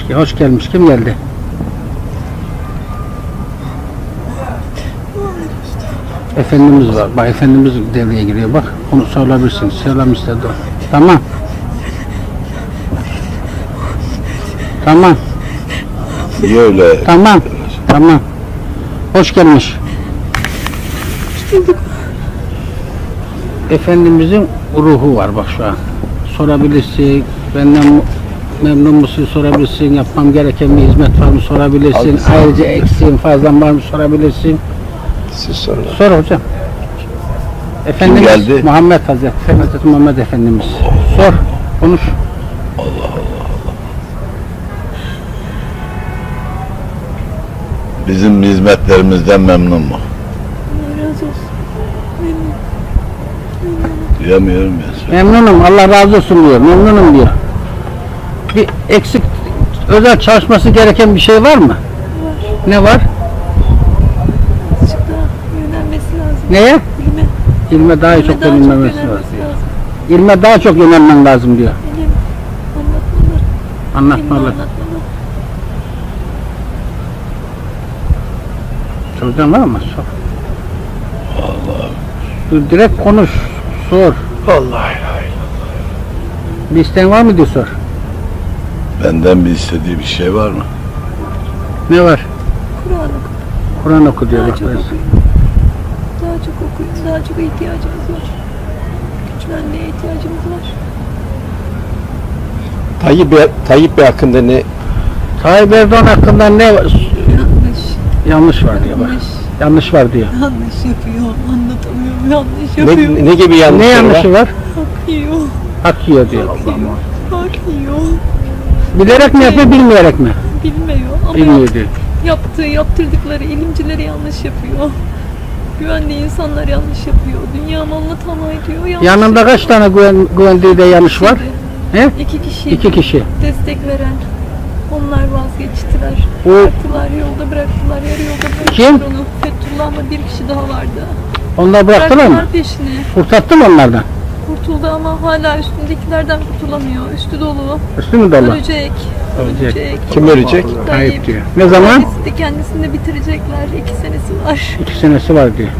Hoş gelmiş. Kim geldi? Efendimiz var. Bak Efendimiz devreye giriyor. Bak onu sorabilirsin. Selam istedi o. Tamam. Tamam. Niye öyle? Tamam. Tamam. Hoş gelmiş. Efendimizin ruhu var bak şu an. Sorabilirsin. Benden memnun musun sorabilirsin. Yapmam gereken bir hizmet var mı sorabilirsin. Haklısın. Ayrıca eksiğin fazlan var mı sorabilirsin. Siz sorun. Sor hocam. Efendimiz geldi? Muhammed Hazreti Muhammed Efendimiz. Sor. Konuş. Bizim hizmetlerimizden memnun mu? Allah razı olsun. Duyamıyorum ya. Memnunum. Allah razı olsun diyor. Memnunum diyor. Bir eksik özel çalışması gereken bir şey var mı? Var. Ne var? Azıcık daha yönelmesi lazım. Neye? İlme. İlme daha İlme çok daha yönelmesi yönelmesi lazım. lazım. İlme daha çok yönelmen lazım diyor. İlim anlatmalı. İlmi Anlatmalı. anlatmalı. Soracağım var mı? Sor. Dur, direkt konuş. Sor. Vallahi. Bir isteğin var mı diye sor. Benden bir istediği bir şey var mı? Ne var? Kur'an oku. Kur'an oku diyor. Daha Bak, çok böyle. okuyun. Daha çok okuyun. Daha çok ihtiyacımız var. Güçlenmeye ihtiyacımız var. Tayyip Bey hakkında ne? Tayyip Erdoğan hakkında ne var? Yanlış. Yanlış var diyor bak. Yanlış. Yanlış var diyor. Yanlış yapıyor. Anlatamıyorum. Yanlış yapıyor. Ne gibi yanlışları Ne yanlışı var? var? Hak yiyor. Hak yiyor diyor. Hak yiyor. Bilerek mi yapıyor, bilmeyerek mi? Bilmiyor ama Bilmiyor diyor. yaptırdıkları ilimcileri yanlış yapıyor. Güvendiği insanlar yanlış yapıyor. Dünya malına tamah ediyor. Yanlış Yanında kaç tane güvendiği de yanlış var? He? İki kişi. İki kişi. Destek veren. Onlar vazgeçtiler. O- Bıraktılar, yolda bıraktılar, yarı yolda bıraktılar Kim? onu. Fethullah ama bir kişi daha vardı. Onlar bıraktılar mı? Peşini. Kurtattı mı onlardan? Kurtuldu ama hala üstündekilerden kurtulamıyor. Üstü dolu. Üstü mü dolu? Ölecek. Ölecek. Kim ölecek? Tayyip diyor. Ne zaman? Kendisi de kendisini de bitirecekler. 2 senesi var. 2 senesi var diyor.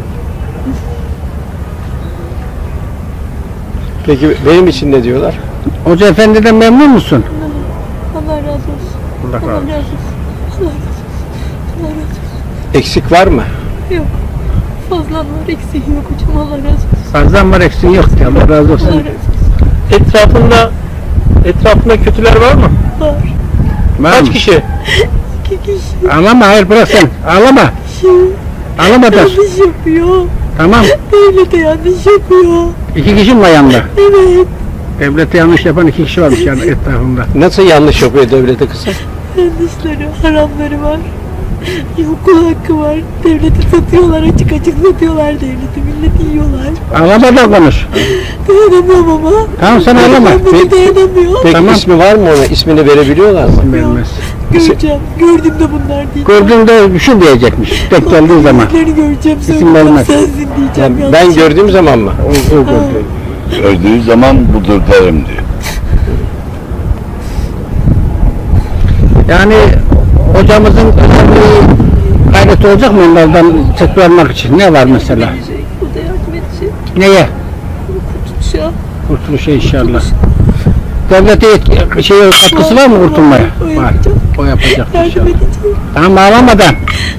Peki benim için ne diyorlar? Hoca efendiden memnun musun? Allah razı olsun. Allah Allah razı olsun. razı olsun. Allah razı olsun. Allah razı olsun. Eksik var mı? Yok. Fazlan var, eksiğin yok hocam. Allah razı olsun. Fazlan var eksiğin yok diyor. Allah razı Allah olsun. razı olsun. Etrafında kötüler var mı? Var. Var mı? kişi? 2 kişi. Ağlama, hayır bırak sen. Ağlama. Ağlama da. Yanlış yapıyor. Tamam. Devlete yanlış yapıyor. 2 kişi mi var yanında? Evet. Devlete yanlış yapan 2 kişi varmış yani etrafında. Nasıl yanlış yapıyor devlete kızım? Yanlışları, haramları var. Okul hakkı var. Devleti satıyorlar, açık açık satıyorlar devleti. Milleti yiyorlar. Ağlama da konuş. Dayanamıyorum ama. Tamam sen ağlama. Ben dayanamıyor. Peki Tamam. ismi var mı ona? İsmini verebiliyorlar mı? Vermez. Göreceğim. Gördüm de bunlar değil. Gördüğünde şu diyecekmiş. Tek geldiği zaman. Bildiklerini göreceğim. İsim Söyleyeceğim vermez. sensin diyeceğim. Yani ben gördüğüm zaman mı? O gördü. Gördüğü zaman budur derim diyor. Yani hocamızın özel bir gayreti olacak mı onlardan tekrarlamak için? Ne var mesela? Edecek, bu da yardım edecek. Neye? Kurtuluşa. Kurtuluşa inşallah. Devlete katkısı var mı kurtulmaya? O Var. yapacak. O yapacak Yardım inşallah. edecek. Tamam ağlamadan.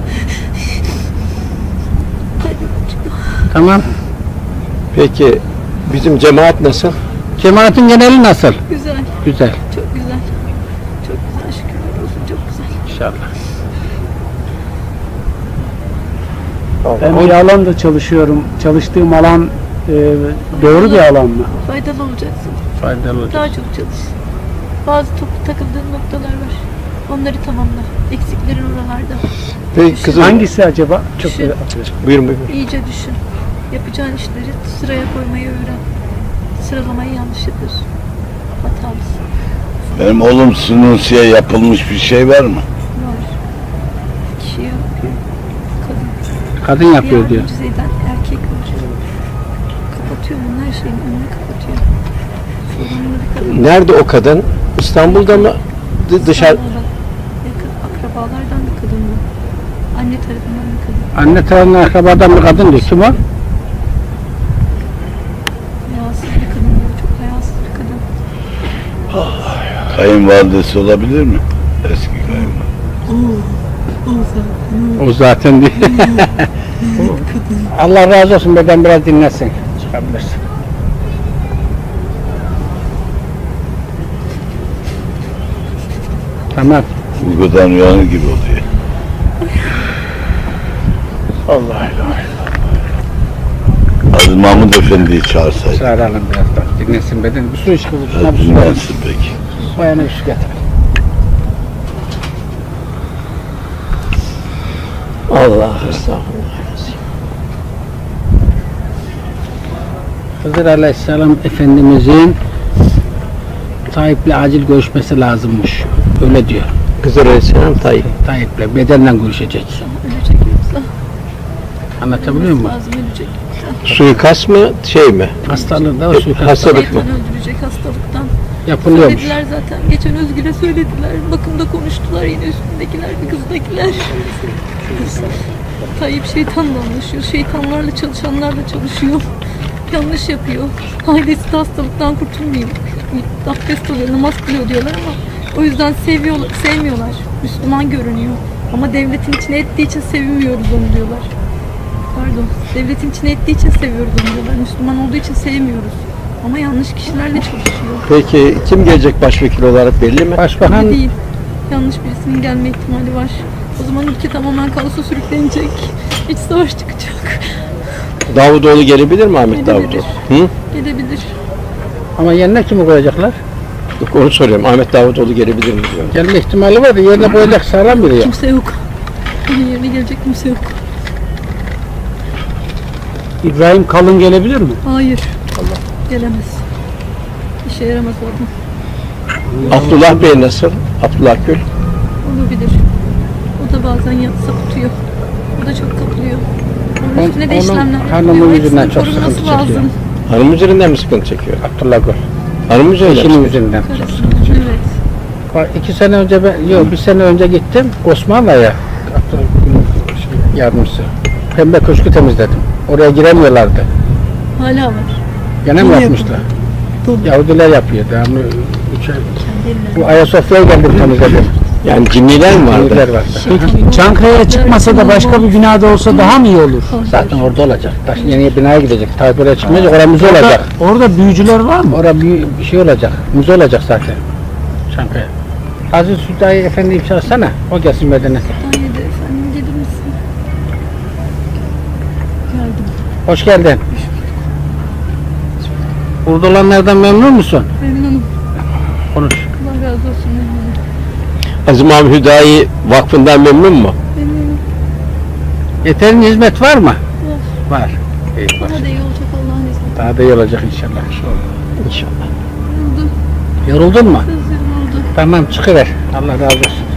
Tamam. Peki bizim cemaat nasıl? Cemaatin geneli nasıl? Güzel. Güzel. Çok güzel. Çok güzel. Şükürler olsun. Çok güzel. İnşallah. Ben bir alanda çalışıyorum. Çalıştığım alan doğru bir alan mı? Faydalı olacaksın. Faydalı olacak. Daha çok çalış. Bazı takıldığın noktalar var. Onları tamamla. Eksiklerin oralarda. Peki kızım Hangisi acaba? Çok Düşün. buyurun buyurun. İyice düşün. Yapacağın işleri sıraya koymayı öğren. Sıralamayı yanlış yapıyorsun. Hatalısın. Benim oğlum Sunusi'ye yapılmış bir şey var mı? Var. Kişi yapıyor. Kadın. Kadın yapıyor diyor. Yardımcı eden erkek var. Kapatıyor bunun her şeyin önünü kapatıyor. Sorumlu bir kadın. Nerede o kadın? İstanbul'da mı? Dışarı. İstanbul'da. akrabalardan bir kadın bu. Anne tarafından bir kadın. Anne tarafından akrabadan bir kadın diyor. Kim o? Hayasız bir kadın bu. Çok hayasız bir kadın. Kayınvalidesi olabilir mi? Eski kayınvalide. O zaten diyor. Allah razı olsun, beden biraz dinlesin. Çıkabilirsin. Tamam. Uykudan uyanır gibi oluyor. Allah Allah. Aziz Mahmud Efendi'yi çağırsaydı. Çağıralım biraz da. Dinlesin beden. Bir su iç kızım. Şuna Biraz bir su ver. dinlensin peki. Bayana bir su getir. Allah estağfurullah. Hızır Aleyhisselam Efendimizin Tayyip'le acil görüşmesi lazımmış. Öyle diyor. Kızır Aleyhisselam Tayyip. Tayyip'le bedenle görüşecek. Ölecek yoksa. Anlatabiliyor muyum? Lazım ölecek yoksa. Suikast mı şey mi? Hastalığı da o suikast Hastalık mı? Şeytan öldürecek hastalıktan. yapılıyormuş. Söylediler zaten. Geçen Özgür'e söylediler. Bakımda konuştular yine üstündekiler, bir kızdakiler. Tayyip şeytanla anlaşıyor. Şeytanlarla çalışanlarla çalışıyor. Yanlış yapıyor. Ailesi de hastalıktan kurtulmuyor. Abdest alıyor, namaz kılıyor diyorlar ama o yüzden sevmiyorlar. Müslüman görünüyor. Ama devletin içine ettiği için sevmiyoruz onu diyorlar. Pardon. Devletin içine ettiği için seviyoruz onu diyorlar. Müslüman olduğu için sevmiyoruz. Ama yanlış kişilerle çalışıyor. Peki kim gelecek başvekil olarak belli mi? Başbakan Öyle değil. Yanlış birisinin gelme ihtimali var. O zaman ülke tamamen kaosa sürüklenecek. İç savaş çıkacak. Davutoğlu gelebilir mi Ahmet Gelebilir. Davutoğlu? Hı? Gelebilir. ama yerine kimi koyacaklar? Yok, onu soruyorum. Ahmet Davutoğlu gelebilir mi diyorum. Gelme ihtimali var da yerine koyacak sağlam biri yok. Kimse yok. Onun yerine gelecek kimse yok. İbrahim Kalın gelebilir mi? Hayır. Gelemez. İşe yaramaz o adam. Abdullah Bey nasıl? Abdullah Gül. Olabilir. O da bazen sapıtıyor. O da çok kapılıyor. Onun On- üstüne de onun işlemler hanımı yapılıyor. yüzünden Hepsinin çok korunması sıkıntı çekiyor. lazım. Hanım üzerinden mi sıkıntı çekiyor? Abdullah Gül. Hanım üzerinden Eşinin mi? yüzünden. Karısının, evet. Bak, 2 sene önce bir sene önce gittim Osmanlı'ya. Abdullah Gül'ün yardımcısı. Pembe köşkü temizledim. Oraya giremiyorlardı. Hala var. Gene mi Yine yapmışlar? Tabii. Yahudiler yapıyor. Devamlı Kendi bu eline. Ayasofya'ya geldim temizledim. Yani cinniler mi Yahudiler vardı? vardı. Peki Çankaya'ya çıkmasa da başka bir binada olsa daha mı iyi olur? Zaten orada olacak. Taş yeni binaya gidecek. Tayyip oraya çıkmayacak. Orada müze olacak. Orada büyücüler var mı? Orada bir şey olacak. Müze olacak zaten. Çankaya. Aziz Hüdayi Efendi'yi çağırsana. O gelsin bedene. Haydi efendim gelir misin? Geldim. Hoş geldin. Burada olanlardan memnun musun? Memnunum. Konuş. Allah razı olsun memnunum. Aziz Mahmud Hüdayi Vakfı'ndan memnun mu? Memnunum. Yeterince hizmet var mı? Var. İyi, bak. Daha da iyi olacak Allah'ın izniyle. Daha da iyi olacak inşallah. İnşallah. Oldu. Yoruldun mu? Sözlerim oldu. Tamam çıkıver. Allah razı olsun.